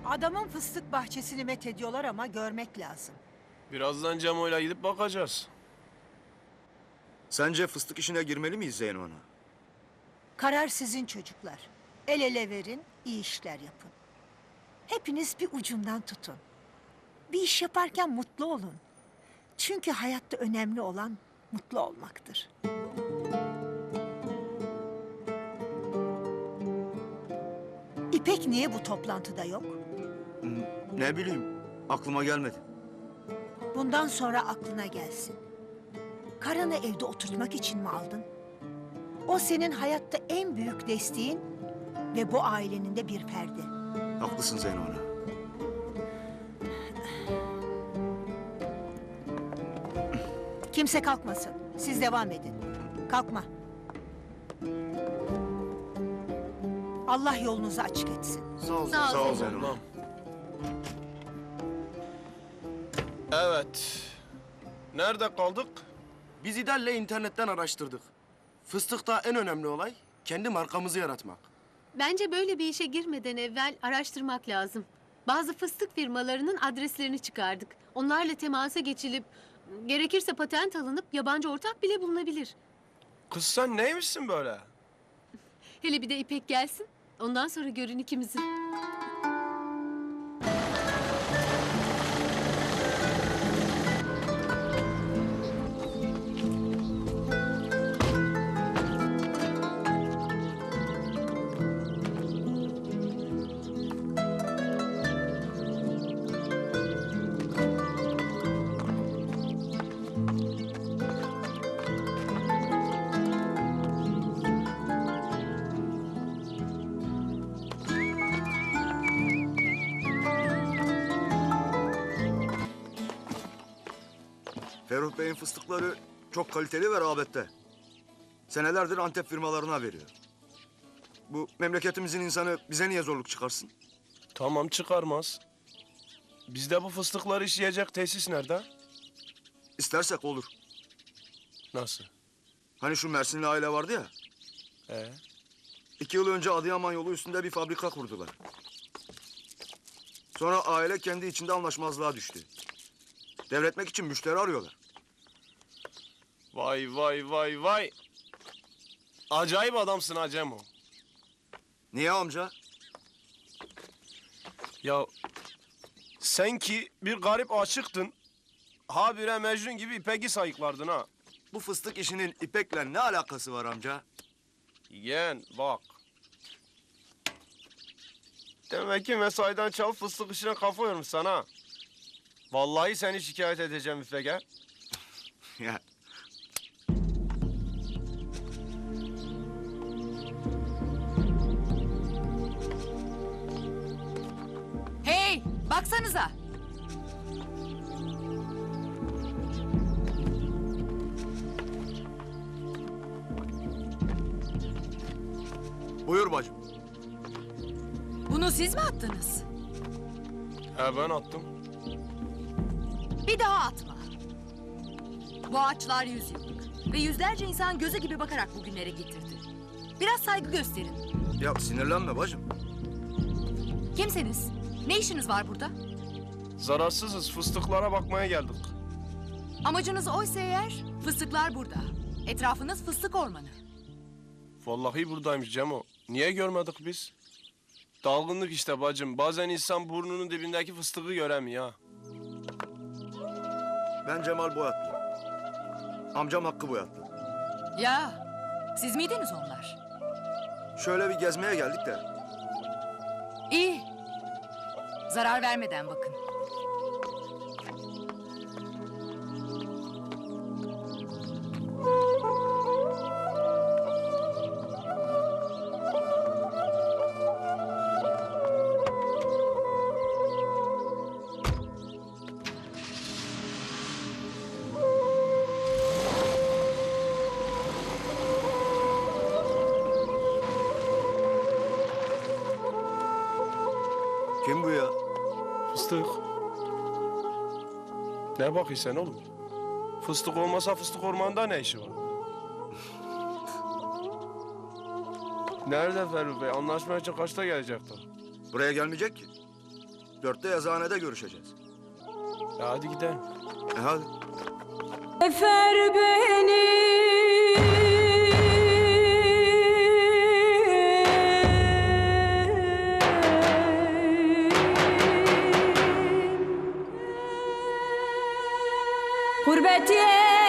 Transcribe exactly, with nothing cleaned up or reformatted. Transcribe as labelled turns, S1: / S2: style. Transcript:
S1: Adamın fıstık bahçesini methediyorlar ama görmek lazım.
S2: Birazdan Cemo'yla gidip bakacağız.
S3: Sence fıstık işine girmeli miyiz Zeyno Ana?
S1: Karar sizin çocuklar. El ele verin, iyi işler yapın. Hepiniz bir ucundan tutun. Bir iş yaparken mutlu olun. Çünkü hayatta önemli olan mutlu olmaktır. İpek niye bu toplantıda yok?
S3: Ne bileyim, aklıma gelmedi.
S1: Bundan sonra aklına gelsin. Karanı evde oturtmak için mi aldın? O senin hayatta en büyük desteğin ve bu ailenin de bir ferdi.
S3: Haklısın Zeyno Ana.
S1: Kimse kalkmasın. Siz devam edin. Kalkma. Allah yolunuzu açık etsin.
S3: Sağ ol,
S4: Sağ ol
S3: sağ ol
S4: Zeyno.
S3: Zeyno Ana.
S2: Evet. Nerede kaldık?
S5: Biz İdal'le internetten araştırdık. Fıstıkta en önemli olay kendi markamızı yaratmak.
S4: Bence böyle bir işe girmeden evvel araştırmak lazım. Bazı fıstık firmalarının adreslerini çıkardık. Onlarla temasa geçilip gerekirse patent alınıp yabancı ortak bile bulunabilir.
S2: Kız sen neymişsin böyle?
S4: Hele bir de İpek gelsin. Ondan sonra görün ikimizi.
S3: Ferruh Bey'in fıstıkları çok kaliteli ve rağbette. Senelerdir Antep firmalarına veriyor. Bu memleketimizin insanı bize niye zorluk çıkarsın?
S2: Tamam çıkarmaz. Bizde bu fıstıkları işleyecek tesis nerede?
S3: İstersek olur.
S2: Nasıl?
S3: Hani şu Mersinli aile vardı ya,
S2: Ee?
S3: iki yıl önce Adıyaman yolu üstünde bir fabrika kurdular. Sonra aile kendi içinde anlaşmazlığa düştü. Devretmek için müşteri arıyorlar.
S2: Vay vay vay vay. Acayip adamsın ha Cemo.
S3: Niye amca?
S2: Ya sen ki bir garip aşıktın. Habire Mecnun gibi İpek'i sayıklardın ha.
S3: Bu fıstık işinin İpek'le ne alakası var amca?
S2: Yeğen bak. Demek ki mesaiden çalıp fıstık işine kafa yormuş sana. Vallahi seni şikayet edeceğim İpek'e.
S3: Ya
S6: Hey, baksanıza.
S3: buyur bacım.
S6: Bunu siz mi attınız?
S2: He ben attım.
S6: Bir daha atma. Bu ağaçlar yüz yıllık ve yüzlerce insan gözü gibi bakarak bugünlere getirdi. Biraz saygı gösterin.
S3: Ya sinirlenme bacım.
S6: Kimseniz? Ne işiniz var burada?
S2: Zararsızız fıstıklara bakmaya geldik.
S6: Amacınız oysa eğer, fıstıklar burada. Etrafınız fıstık ormanı.
S2: Vallahi buradaymış Cemo. Niye görmedik biz? Dalgınlık işte bacım. Bazen insan burnunun dibindeki fıstığı göremiyor ha.
S3: Ben Cemal Boyatlı. Amcam Hakkı Boyatlı.
S6: Ya, siz miydiniz onlar?
S3: Şöyle bir gezmeye geldik de.
S6: İyi. Zarar vermeden bakın.
S3: Kim bu ya?
S2: Fıstık. Ne bakıyorsun sen oğlum? Fıstık olmasa fıstık ormanında ne işi var? Nerede Ferruh Bey? Anlaşmaya için kaçta gelecekti?
S3: Buraya gelmeyecek ki. Dörtte yazıhanede görüşeceğiz.
S2: E hadi gidelim.
S3: E hadi.
S7: Efer beni Gurbet